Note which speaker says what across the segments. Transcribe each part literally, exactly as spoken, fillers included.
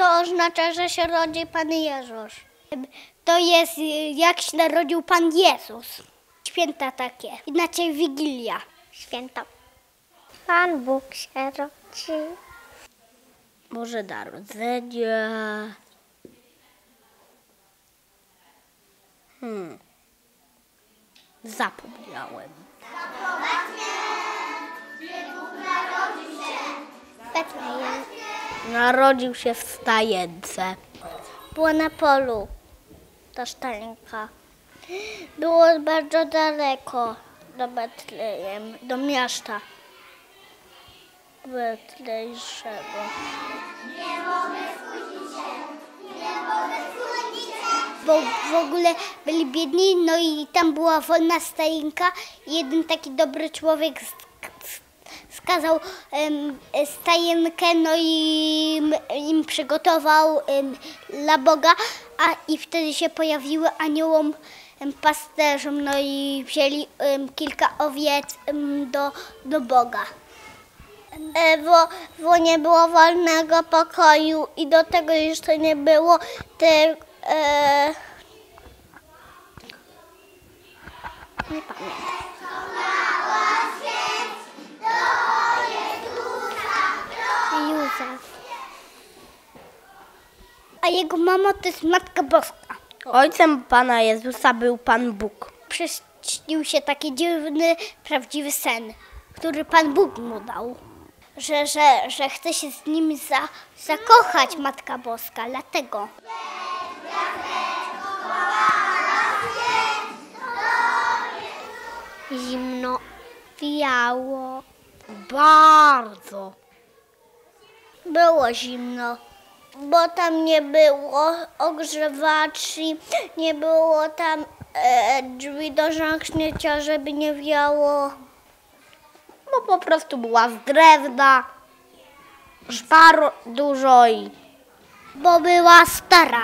Speaker 1: To oznacza, że się rodzi Pan Jezus. To jest jak się narodził Pan Jezus. Święta takie, inaczej Wigilia. Święta.
Speaker 2: Pan Bóg się rodzi.
Speaker 3: Boże Narodzenie. Hmm. Zapomniałem.
Speaker 1: Betlejem.
Speaker 3: Narodził się w stajence.
Speaker 1: Było na polu. Ta stajenka. Było bardzo daleko do Betlejem, do miasta betlejszego. Nie mogę spóźnić się, nie mogę spóźnić się. Bo w ogóle byli biedni, no i tam była wolna stajenka i jeden taki dobry człowiek skazał um, stajenkę, no i im, im przygotował um, dla Boga, a i wtedy się pojawiły aniołom um, pasterzom, no i wzięli um, kilka owiec um, do, do Boga. E, bo, bo nie było wolnego pokoju i do tego jeszcze nie było te, e, nie pamiętam. Józef. A jego mama to jest Matka Boska.
Speaker 3: Ojcem Pana Jezusa był Pan Bóg.
Speaker 1: Przyśnił się taki dziwny, prawdziwy sen, który Pan Bóg mu dał. Że, że, że chce się z nim za, zakochać Matka Boska, dlatego.
Speaker 2: Zimno, wiało.
Speaker 3: Bardzo.
Speaker 1: Było zimno, bo tam nie było ogrzewaczy, nie było tam e, drzwi do zamknięcia, żeby nie wiało.
Speaker 3: Bo po prostu była z drewna, szpar dużo i...
Speaker 1: Bo była stara.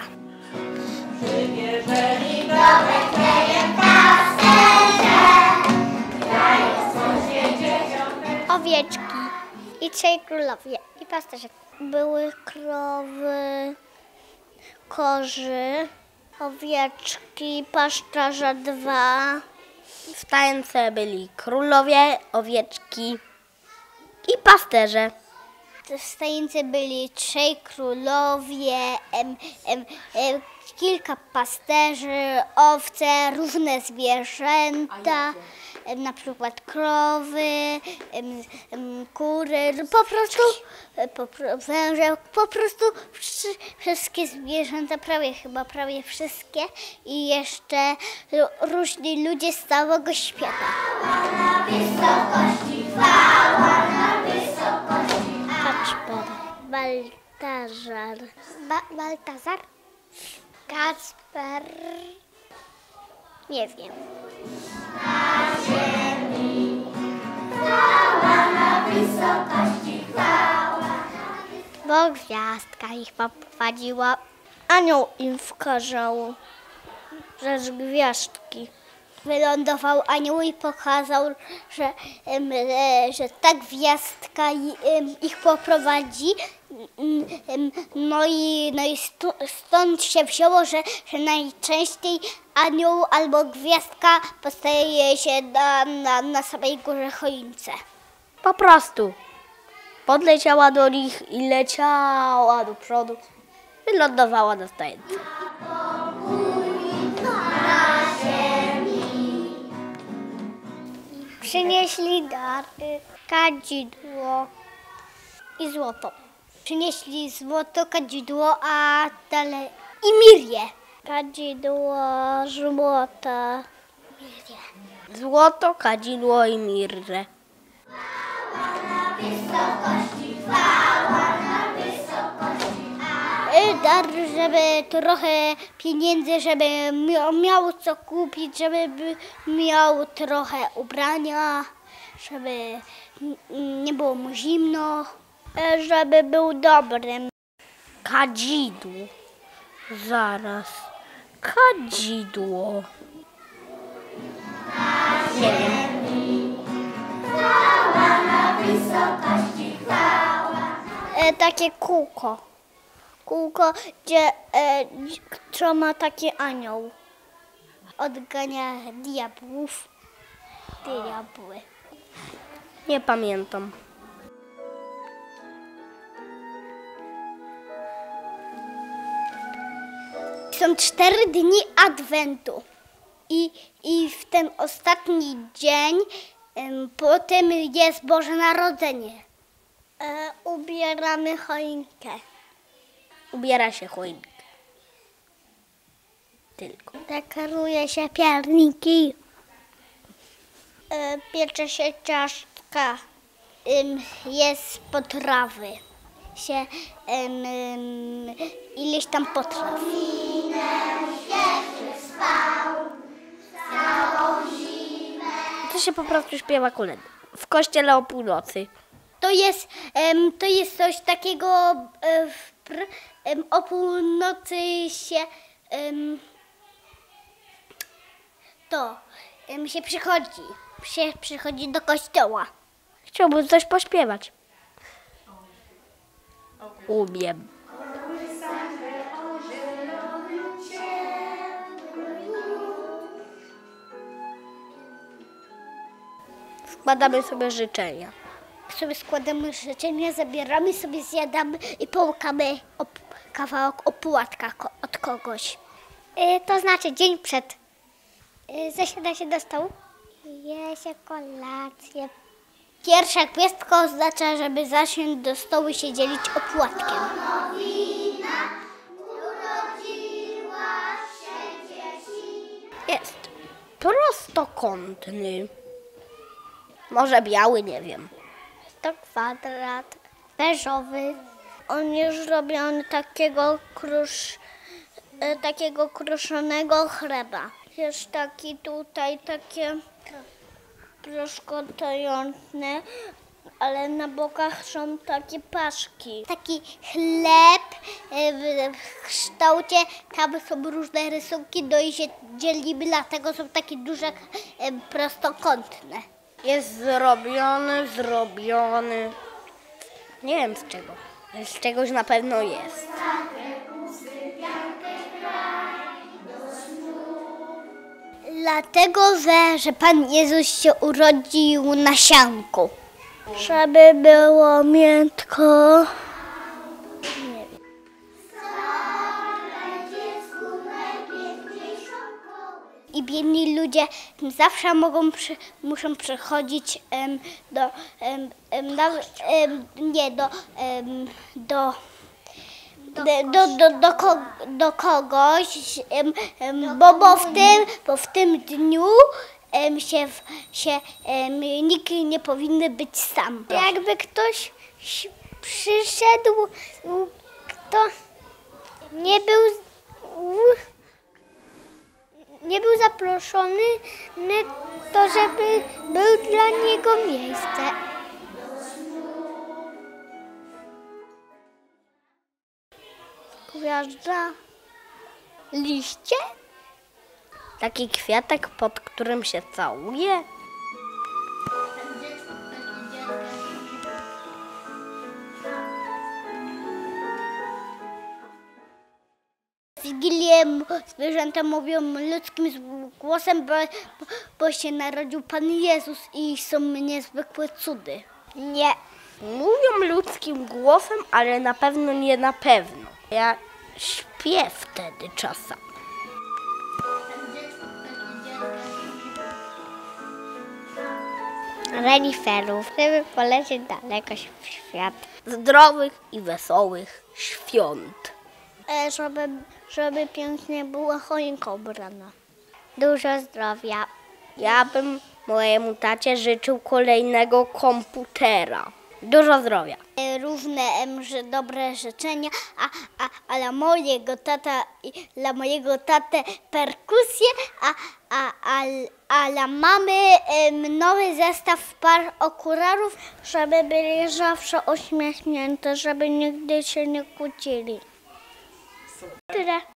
Speaker 1: Owieczki i trzej królowie i pasterze. Były krowy, kozy, owieczki, pasterze dwa.
Speaker 3: W stajence byli królowie, owieczki i pasterze.
Speaker 1: W stajence byli trzej królowie, em, em, em, kilka pasterzy, owce, różne zwierzęta, em, na przykład krowy, em, em, kury, po prostu po, węże, po prostu wszy, wszystkie zwierzęta, prawie chyba prawie wszystkie i jeszcze różni ludzie z całego świata. Na wysokości chwała, na wysokości. Kacper, Baltazar, ba- Baltazar, Kacper, nie wiem. Na ziemi chwała, na wysokości chwała. Bo gwiazdka ich poprowadziła. Anioł im wskazał, że z gwiazdki. Wylądował anioł i pokazał, że, em, e, że ta gwiazdka i, em, ich poprowadzi. Em, no i, no i stu, stąd się wzięło, że, że najczęściej anioł albo gwiazdka postaje się na, na, na samej górze choince.
Speaker 3: Po prostu. Podleciała do nich i leciała do przodu. Wylądowała na stajence.
Speaker 1: Przynieśli dary, kadzidło i złoto. Przynieśli złoto, kadzidło, a dalej i mirię. Kadzidło, złoto, mirię.
Speaker 3: Złoto, kadzidło i mirrę.
Speaker 1: Dar, żeby trochę pieniędzy, żeby miał co kupić, żeby miał trochę ubrania, żeby nie było mu zimno, żeby był dobrym.
Speaker 3: Kadzidło. Zaraz. Kadzidło. Nie wiem.
Speaker 1: E, takie kółko. kółko, gdzie, e, co ma taki anioł. Odgania diabłów. Diabły.
Speaker 3: Nie pamiętam.
Speaker 1: Są cztery dni Adwentu i, i w ten ostatni dzień em, potem jest Boże Narodzenie. E, ubieramy choinkę.
Speaker 3: Ubiera się choinkę. Tylko.
Speaker 1: Dekoruje się pierniki. E, piecze się ciastka. Em, jest potrawy. Się em, em, ileś tam potraw.
Speaker 3: To się po prostu śpiewa kolędy. W kościele o północy.
Speaker 1: To jest, em, to jest coś takiego, e, w, pr, em, o północy się em, to em, się przychodzi, się przychodzi do kościoła.
Speaker 3: Chciałbym coś pośpiewać. Umiem. Składamy sobie życzenia.
Speaker 1: Sobie składamy życzenia, zabieramy sobie, zjadamy i połykamy op- kawałek opłatka ko- od kogoś.
Speaker 2: Y, to znaczy dzień przed. Y, zasiada się do stołu. Je się kolację.
Speaker 1: Pierwsza gwiazdka oznacza, żeby zasiąść do stołu i się dzielić opłatkiem.
Speaker 3: Jest prostokątny. Może biały, nie wiem.
Speaker 2: To kwadrat.
Speaker 1: Beżowy. On jest robiony takiego krusz, e, takiego kruszonego chleba. Jest taki tutaj takie proszkotające, ale na bokach są takie paszki. Taki chleb e, w, w kształcie, tam są różne rysunki, no i się dzielimy, dlatego są takie duże, e, prostokątne.
Speaker 3: Jest zrobiony, zrobiony. Nie wiem z czego. Ale z czegoś na pewno jest.
Speaker 1: Dlatego, że, że Pan Jezus się urodził na sianku. Żeby było miętko. I biedni ludzie zawsze mogą przy, muszą przychodzić em, do, em, em, na, em, nie, do, em, do, do, do, do, do, ko, do kogoś, em, em, bo, bo, w tym, bo w tym dniu em, się, w- się em, nikt nie powinny być sam.
Speaker 2: Jakby ktoś ś- przyszedł, kto nie był, nie był zaproszony, ny- to żeby był dla niego miejsce.
Speaker 1: Gwiazda, liście,
Speaker 3: Taki kwiatek, pod którym się całuje.
Speaker 1: w Wigilię m- zwierzęta mówią ludzkim z- głosem, bo, bo, bo się narodził Pan Jezus i są niezwykłe cudy.
Speaker 2: Nie.
Speaker 3: Mówią ludzkim głosem, ale na pewno nie na pewno. Ja śpię wtedy czasami.
Speaker 2: Reniferów, żeby polecieć daleko w świat.
Speaker 3: Zdrowych i wesołych świąt.
Speaker 1: E, żeby, żeby pięknie była choinka ubrana.
Speaker 2: Dużo zdrowia.
Speaker 3: Ja bym mojemu tacie życzył kolejnego komputera. Dużo zdrowia.
Speaker 1: E, Różne em, że dobre życzenia, a, a, a dla mojego tata i dla mojego tatę perkusję, a, a, a, a dla mamy em, nowy zestaw par okularów, żeby byli zawsze uśmiechnięte, żeby nigdy się nie kłócili. Tyle.